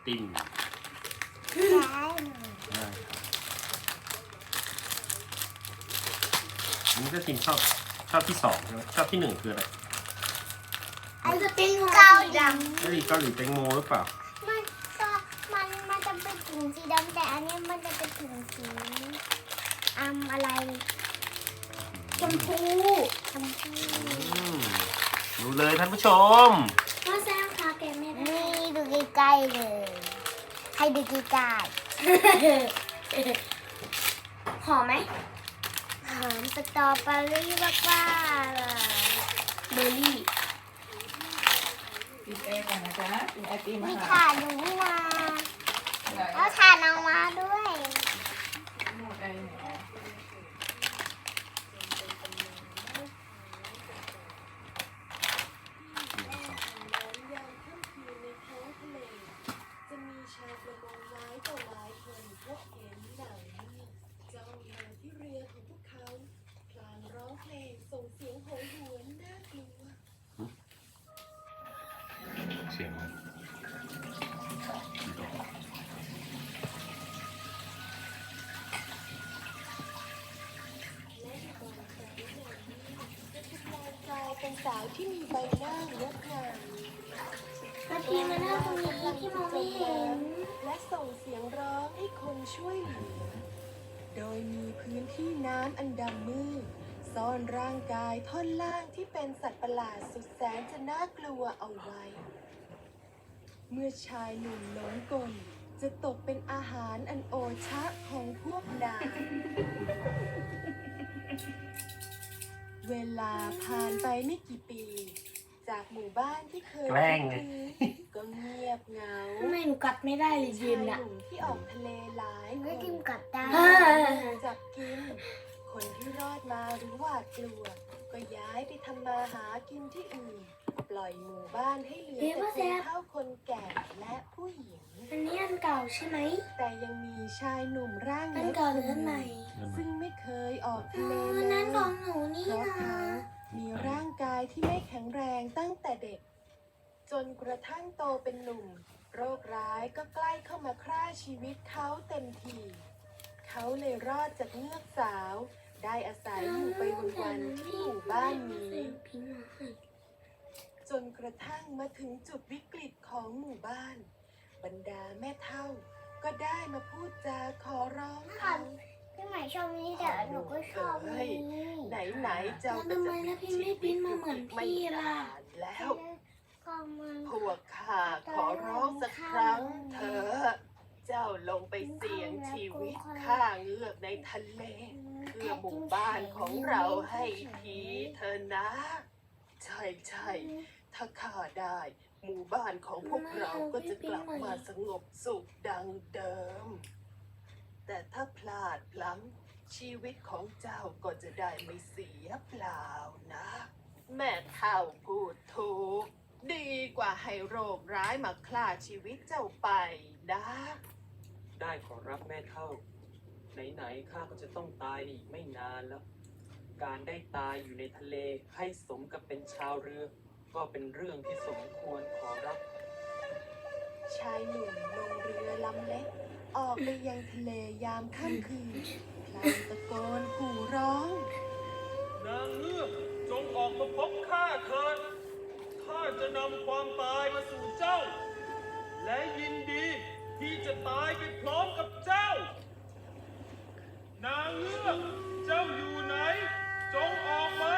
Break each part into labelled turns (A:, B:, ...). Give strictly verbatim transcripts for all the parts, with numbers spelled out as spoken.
A: ติม
B: ใช่
A: ได้ครับอันนี้ก็ติมชอบชอบที่สองใช่ไหมชอบที่หนึ่งคืออะไร
B: ไอ้จะเป็นเกาหลี
A: เกาหลีเกาหลีแตงโมหรือเปล่า
B: มันก็มันมันจะเป็นถุงสีดำแต่อันนี้มันจะเป็นถุงสีอืมอะไรชมพูชมพู
A: อืมดูเลยท่านผู้ชม
B: พ่อแซมคะแกไม่ได้นี่ดูใกล้ๆเลยให้ดูใกล้ๆหอมไหมหอมสตรอเบอรี่มากๆเลยเบอร์รี่
C: กินเองกันนะจ๊ะกินไอติม
B: มี
C: มา
B: ถ่านอยู่นี่นาแล้วถ่านเอามาด้วย
C: หมดไอเนี่ย
D: จะมีชาวประมงหลายต่อหลายคนพบเห็นหนังจ้องมาที่เรือของพวกเขาพลางร้องเพลงส่งเสียงโหยหวนน่ากลัว
A: เสียงมัน
D: และในบางครั้งในนี้จะทำลายกลายเป็นสาวที่มีใบหน้างดงาม
B: แล้วพี่มานั่งตรงนี้พี่มองไม่เห็น
D: และส่งเสียงร้องให้คนช่วยเหลือ โดยมีพื้นที่น้ำอันดำมืดซ่อนร่างกายท่อนล่างที่เป็นสัตว์ประหลาดสุดแสนจะน่ากลัวเอาไว้ เมื่อชายหนุ่มหลงกลจะตกเป็นอาหารอันโอชะของพวกนาง เวลาผ่านไปไม่กี่ปี จากหมู่บ้านที่เคย
A: แกล้งไง
D: คุ้นเคยก็เงียบเหงา
B: ทำไมหนูกัดไม่ได้เลย
D: ชา
B: ยื
D: ย
B: น
D: ห
B: อะ
D: นุ่มที่ออกทะเลหลายค
B: ไม่
D: น
B: กินกัดได้
D: จับกิน คนที่รอดมาหรือหวาดกลัว ก็ย้ายไปทำมาหากินที่อื่น ปล่อยหมู่บ้านให้เหลือแต่คนเฒ่าคนแก่และผู้หญิง
B: อันนี้อันเก่าใช่ไหม
D: แต่ยังมีชายหนุ่มร่าง
B: อัน
D: เล็ก
B: เก่าหรืออันใหม่
D: ซึ่งไม่เคยออก
B: อ๋
D: ทะเล
B: อ
D: เลย
B: นั่นของหนูนี่
D: เพราะ
B: นะ
D: เขามีร่างกายที่ไม่แข็งแรงตั้งแต่เด็ก จนกระทั่งโตเป็นหนุ่ม โรคร้ายก็ใกล้เข้ามาฆ่าชีวิตเขาเต็มที เขาเลยรอดจากเงือกสาว ได้อาศัยอยู่ไปวันๆที่หมู่บ้านนี้ จนกระทั่งมาถึงจุดวิกฤตของหมู่บ้าน บรรดาแม่เฒ่า ก็ได้มาพูดจาขอร้องเขา
B: พี่ใหม่ชอบนี้แต่หนูก็ชอบนี้
D: ไหนไหนๆเจ้าก็
B: แล้วทำไม
D: จะ
B: แล้วพี่ไม่ปิ้นมาเหมือนพี่ล่ะ
D: แล้ว
B: ก็มัน
D: พวกข้าขอร้องสักครั้งเถอะเจ้าลงไปเสี่ยงชีวิตฆ่าเงือกในทะเล เพื่อหมู่บ้านของเราให้ทีเธอนะ ใช่ใช่ๆถ้าข้าได้ หมู่บ้านของพวกเราก็จะกลับมาสงบสุขดังเดิม แต่ถ้าพลาดพลั้งชีวิตของเจ้าก็จะได้ไม่เสียเปล่านะ แม่เฒ่าพูดถูก ดีกว่าให้โรคร้ายมาฆ่าชีวิตเจ้าไปนะ
E: ได้ขอรับแม่เท่า ไหนๆข้าก็จะต้องตายอีกไม่นานแล้ว การได้ตายอยู่ในทะเลให้สมกับเป็นชาวเรือ ก็เป็นเรื่องที่สมควรขอรับ
D: ชายหนุ่มลงเรือลำเล็ก ออกไปยังทะเลยามค่ำคืนพลางตะโกนขู่ร้อง
E: นางเงือกจงออกมาพบข้าเถิด ข้าจะนำความตายมาสู่เจ้า และยินดีที่จะตายไปพร้อมกับเจ้า นางเงือกเจ้าอยู่ไหน จงออกมา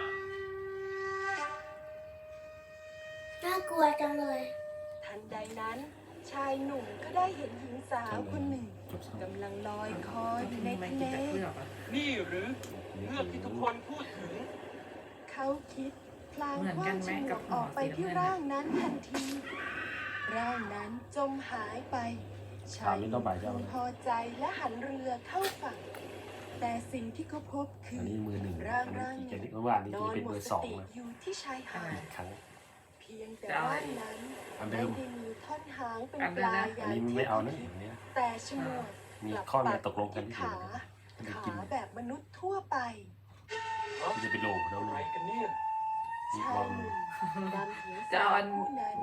B: น่ากลัวจังเลย
D: ทันใดนั้น ชายหนุ่มก็ได้เห็นหญิงสาวคนหนึ่งกำลังลอยคออยู่ในทะเล
E: นี่หรือเงือกที่ทุกคนพูดถึง
D: เขาคิดพลางคว้างฉมวกออกไปที่ร่างนั้นทันที ร่างนั้นจมหายไป ชายหนุ่มพึงพอใจและหันเรือเข้าฝั่ง แต่สิ่งที่เขาพบคื
A: อัน
D: อ
A: นี้มือหนึ่ง
D: ร่าง
A: อัน
D: ร่าง
A: นี้
D: หนึ่ง
A: เมื่อวานนี้
D: น
A: จะ
D: อน
A: เป็น
D: หม
A: เบอ
D: ด
A: ร์
D: ส
A: สอง
D: ติ
A: นะ
D: อยู่ที่ชายหา
A: อี
D: ด
A: กครั้ง
D: เพียงแต่ร่างนั้น
A: อัน
D: ไม่
A: เดิม
D: ได้มีท่อนหางเป็น
C: อัน
D: ป
C: เดิม
D: ลา
C: นะ
D: อ
A: อั
D: ย่าน ง
A: นี้
D: ที่
A: ไม่เอานะ
D: คิด
A: อันนี้
D: แต่ฉมวก
A: มี
D: กลับ
A: ข้อ
D: ปั
A: เนี้
D: ก
A: ตกลงกัน
D: ที่
A: ที่
D: ขา
A: จะ
D: ขา
A: กิน
D: แบบมนุษย์ทั่วไป
A: จะไปโลกแล้ว
E: อะไร
A: เลย
E: กันเนี่ย
D: ชายหนุ่มนำหญิง
C: จะ
D: สา
C: เอา
D: ว
C: อัน
D: ผู้นั้น
C: เหมือน
D: ก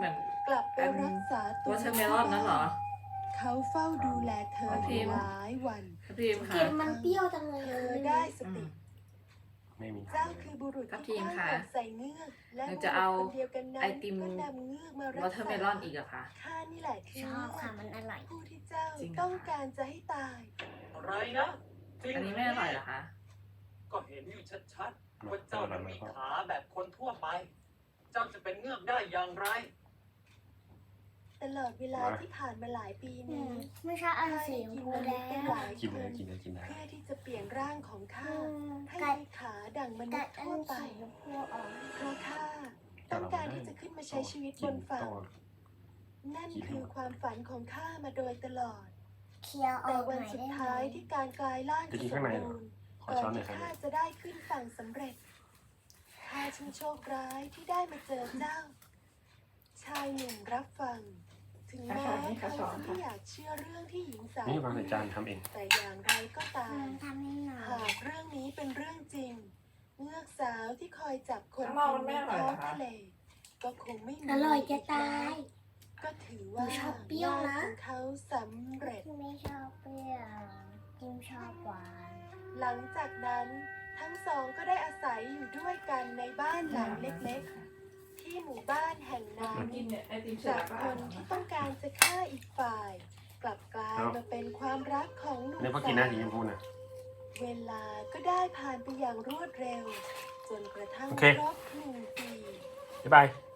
D: กลับไปรักษาตัว
C: วอเทอร์เมลอนนั่นเหรอ
D: เขาเฝ้าดูแลเธอ
C: ทับทิม
D: หลายวัน
C: ทับทิม
B: ก
C: ค่ะ
B: ลิ่นมันเปรี้ยวจังเลย
D: เธอได้สติ
A: ไม่มี
D: เจ้าคือบุรุษ
C: ทับทิ
D: ที่
C: ม
D: กล้า
C: ค่ะ
D: หาญใส่เงือกและ
C: เรา
D: บุ
C: จะ
D: รุษ
C: เอา
D: คนเดียวกันนั้น
C: ไอติม
D: ก็นำเงือกมาว
C: อ
D: รัก
C: เทอร์
D: ษา
C: เมลอนอีกเหรอคะ
D: ข้านี่แหละคือ
B: ชอบค่ะมันอร่อย
D: ผู้ที่เจ้า
C: จริงเหรอ
D: ต้องการจะให้ตาย
E: อะไรนะจริง
C: อันนี้ไม่อร่อยเหรอคะ
E: ก็เห็นอยู่ชัดๆว่าเจ้านั้นมีขาแบบคนทั่วไป เจ้าจะเป็นเงือกได้อย่างไร
D: ตลอดเวลาที่ผ่านมาหลายปี
B: อื
D: นี้
B: มไม่ใช่อันสีชมพูแดง
A: กินเลยกินเลยกินได้
D: เพื่อที่จะเปลี่ยนร่างของข้า
B: อืม
D: ให้
B: กัด
D: มีขาดังมนุ
B: กั
D: ษ
B: ด
D: ย์
B: อั
D: ทั่วน ไป
B: สีชมพูออก
D: เพราะข้าต้องการที่จะขึ้นมาใช้ชีวิตบนฝั่ง นั่นคือความฝันของข้ามาโดยตลอด
B: เคลียร์อ
D: แต่
B: อกห
D: วัน
B: น่อย
D: สุด
B: ได้ไหม
D: ท้ายที่การกลายร่าง
A: จะกิ
D: จะ
A: น
D: ส
A: ข้าง
D: ม
A: ในเหรอ
D: บูรณ์
A: ขอ
D: ก่อ
A: ช้อน นหน่อย
D: ที่
A: ครับ
D: ข้าจะได้ขึ้นฝั่งสำเร็จข้าช่างโชคร้ายที่ได้มาเจอเจ้า ชายหนุ่มรับฟัง ถึงแม้เขาจะไม่อยากเชื่อเรื่องที่หญิงสาว
A: นี่วางใส่จานทำเอง
D: แต่อย่างไรก็ตา
B: อื
D: ม
B: มทำให้หน่อ
D: หาย กเรื่องนี้เป็นเรื่องจริง เงือกสาวที่คอยจับคน
C: ข้างนอกมัน
D: กิน
C: ไม่
D: ใน
C: อร่อย
D: ท้
C: เห
D: อ
C: รง อคะ
D: ทะเล ก็คงไม่มี
B: อร่อยจะตาย
D: ก็ถือว่า
B: หนูชอบเปรี้ยวนะ
D: งานของเขาสำเร็จ
B: ไม่ชอบเปรี้ยวกิมชอบหวาน
D: หลังจากนั้นทั้งสองก็ได้อาศัยอยู่ด้วยกันในบ้านหลังเล็กๆ ที่หมู่บ้านแห่งนั้น
C: กินเนี่ยไอติมเสร็จ
D: จาก
C: แล้วก็
D: ค
C: อ่าน
D: น
C: นะ
D: ที่
C: คะ
D: ต้องการจะฆ่าอีกฝ่าย กลับกลายมาเป็นความรักของหนุ่ม
A: เนี่ยพอ
D: สา
A: กินหน้าสีช
D: ว
A: มพูน่ะ
D: เวลาก็ได้ผ่านไปอย่างรวดเร็ว จนกระทั่ง
A: โอเค
D: ครบหนึ่งปี
A: บ๊ายบาย